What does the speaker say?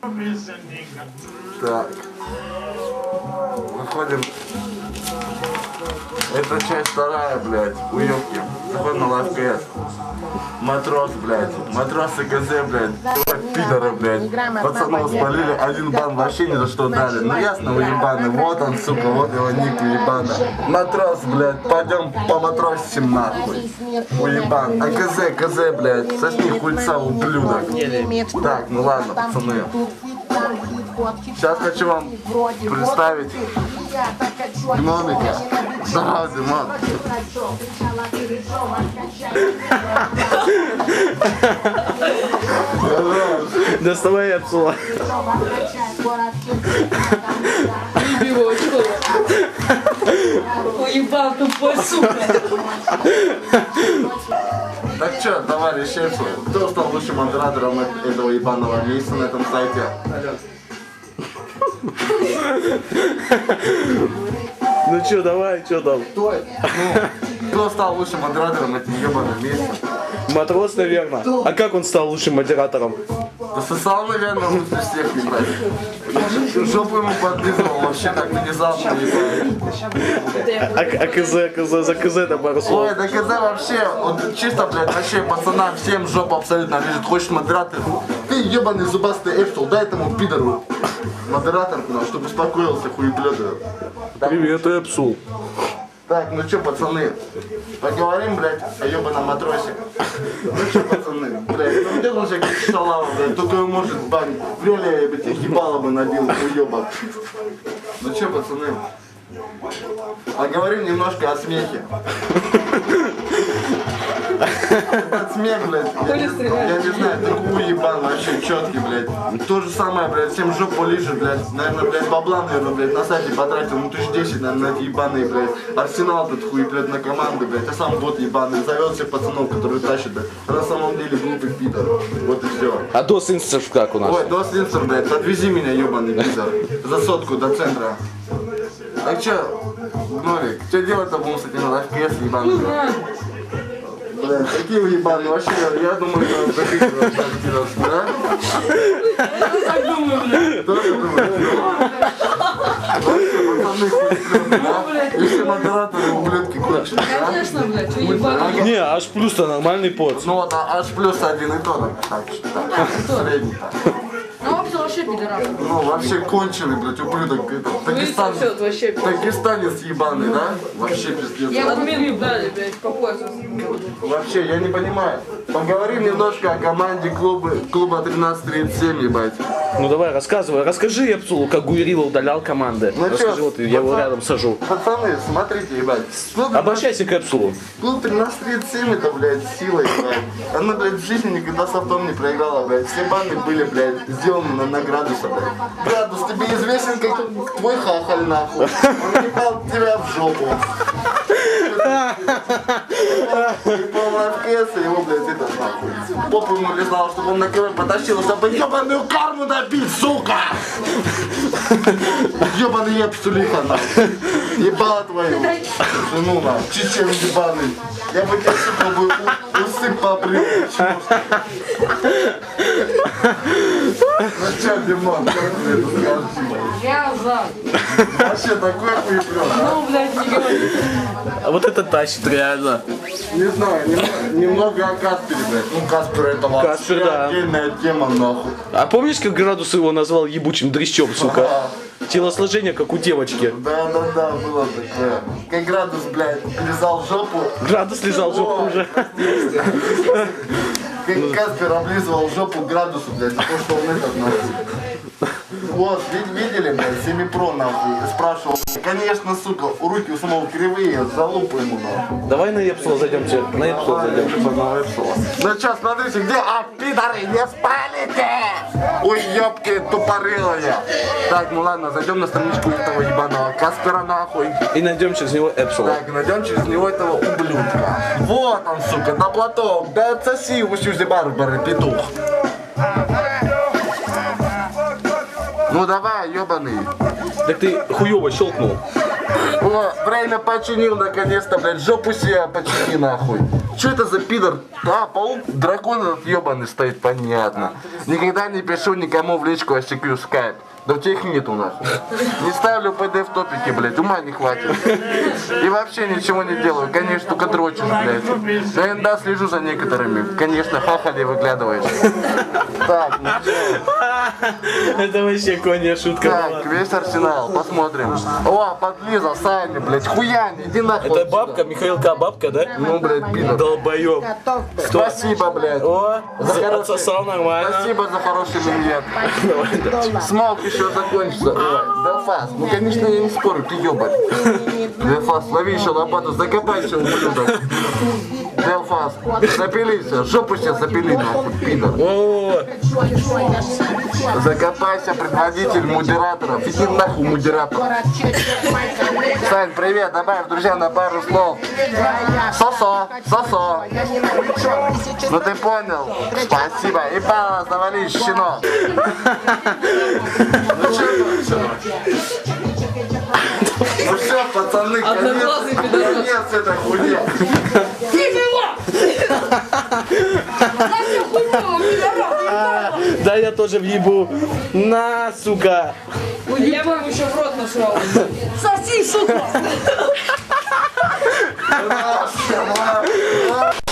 Так. Выходим. Это часть вторая, блядь, уёбки. Заходим на лайфкэс. Матрос, блядь. Матросы КЗ, блядь. Пидоры, блядь. Пацанов спалили, 1 бан вообще ни за что дали. Ну ясно, вы ебаны. Вот он, сука, вот его ник уебана. Матрос, блядь, пойдем по матросим нахуй. Уебан. А КЗ, блядь. Сосни хуйца, ублюдок. Так, ну ладно, пацаны. Сейчас хочу вам представить гномика. Да, Димон. Доставай отсюда. Уебал тупой, сука. Так что, товарищи, кто стал лучшим модератором этого ебаного месяца на этом сайте? Ну чё, давай, чё там? Кто стал лучшим модератором этим ебаным месяцем? Матрос, наверное. А как он стал лучшим модератором? Да сосал, наверное, лучше всех, ебать. Жопу ему подлизывал, вообще так внезапно, ебать. А КЗ, за КЗ-то пару слов. Ой, да КЗ вообще, вот чисто, блядь, вообще пацанам всем жопу абсолютно лежит. Хочешь модератор? Ты ебаный зубастый Эпсел, дай этому пидору модератор, чтобы успокоился, хуеблёдый. Привет, Эпсул. Так, ну чё, пацаны, поговорим, блядь, о ебаном матросе. Ну чё, пацаны, блядь, ну где он же как шалава, блядь, только он может банить. В реале я бы тебе ебало бы набил, уёбок. Ну чё, пацаны, поговорим немножко о смехе. Этот смех, блядь, я не знаю, такой уебан вообще четкий, блядь. То же самое, блядь, всем жопу лижет, блядь. Наверное, блядь, бабла, наверное, блядь, на сайте потратил, ну 1010, наверное, на эти ебаные, блядь. Арсенал тут хуй, блядь, на команду, блядь. А сам бот ебаный, зовет всех пацанов, которые тащат, блядь. А на самом деле глупый пидор. Вот и все. А Дос Инстов как у нас? Ой, Дос Инстер, блядь, подвези меня, ебаный пидор. За сотку до центра. Так чё, Гномик, что делать-то будем с этим лайфкэс, ебаный? Блядь, какие вы ебаные, вообще, я думаю, что закрыть да? Так думаю, блядь. Тоже думаю, вообще, пацаны, хуй, да? Если модераторы ублюдки кончены, да? Конечно, блядь, что ебаный. Не, аж плюс-то нормальный пот. Ну вот, аж плюс 1 и то, так что, так, средний так. Ну, вообще пидорас. Ну, вообще конченый, блядь, ублюдок, это, Дагестанец ебаный, да? Вообще пиздец. Я админ дали, блядь, по поясу. Вообще, я не понимаю. Поговорим немножко о команде клуба 1337, ебать. Ну давай, рассказывай. Расскажи Эпсулу, как Гуерила удалял команды. Ну Расскажи, чё, вот я его рядом сажу. Пацаны, смотрите, ебать. Обращайся к Эпсулу. Клуб 1337 это, блядь, сила, ебать. Она, блядь, в жизни никогда с автом не проиграла, блядь. Все банды были, блядь, сделаны на градуса, блядь. Градус, тебе известен как твой хахаль, нахуй. Он ебал тебя в жопу. Полная ФКС, его, блядь, это, нахуй. Попу ему лизал, чтобы он на КВ потащил, чтобы ебаную карму набить, сука! Ебаный епсулиха, нахуй. Ебала твою жену, нахуй. Чечен ебаный. Я бы тебе, сука, бы усып побрил. Ну чё, Димон, как ты это скажешь? Я за. Вообще такой хуеплён, а? Ну, блядь, не говори. А вот это тащит реально. Не знаю, немного о Каспере, блядь. Ну, Каспер это вообще Каспер, да. отдельная тема, нахуй. А помнишь, как Градус его назвал ебучим дрищом, сука? Телосложение, как у девочки. Да, было такое. Как Градус, блядь, лизал жопу. Градус лизал жопу уже. Как Каспер облизывал жопу Градусу, блядь, за то, что он этот, нахуй. Вот, видели, блядь, Семипро, нахуй, спрашивал. Конечно, сука, у руки у самого кривые, залупу ему, нахуй. Давай на Эпсула зайдемте. На Эпсула зайдем. Ну чё, смотрите, где? А, пидоры, не спалите! Ой, ёбки тупорылые. Так, ну ладно, зайдем на страничку этого ебаного Каспера, нахуй. И найдем через него Эпсула. Так, найдем через него этого ублюдка. Вот он, сука, на платок. Да отсоси, ущузи барбары, петух. Ну давай, ёбаный. Так ты хуёво щелкнул. О, время починил наконец-то, блядь, жопу себе почини, нахуй. Что это за пидор? А, паук, дракон этот ебаный стоит, понятно. Никогда не пишу никому в личку, а щеклю скайп. Да у тебя их нет у нас. Не ставлю ПД в топике, блядь, ума не хватит. И вообще ничего не делаю, конечно, только дрочишь, блядь. Но иногда слежу за некоторыми. Конечно, хахали выглядываешь. Так, ну чё? Это вообще коня шутка была. Так, весь арсенал, посмотрим. О, подлиза, Саня, блядь, хуяни, иди нахуй. Это отсюда. бабка, Михаил К. бабка, да? Ну, блядь, пидор. Долбоёб. Спасибо, блядь. О, За хороший- отсосал нормально. Спасибо за хороший миньет. Смолк еще закончится. Белфас, ну конечно я не спорю, ты ебать. Белфас, лови еще лопату, закопайся, ублюдок. Белфас, запились, жопу сейчас запили, нахуй, пидор. О, Закопайся, предводитель модераторов. Иди нахуй, модератор. Сань, привет, добавь, друзья, на пару слов. Сосо, сосо. Ну ты понял. Спасибо. И балла, завали, щенок. Ну что, ну все, пацаны, Одноглазый пидорас. конец этой хуйни. да я тоже въебу. На, сука. Я бы ему еще в рот насрал. Соси, сука!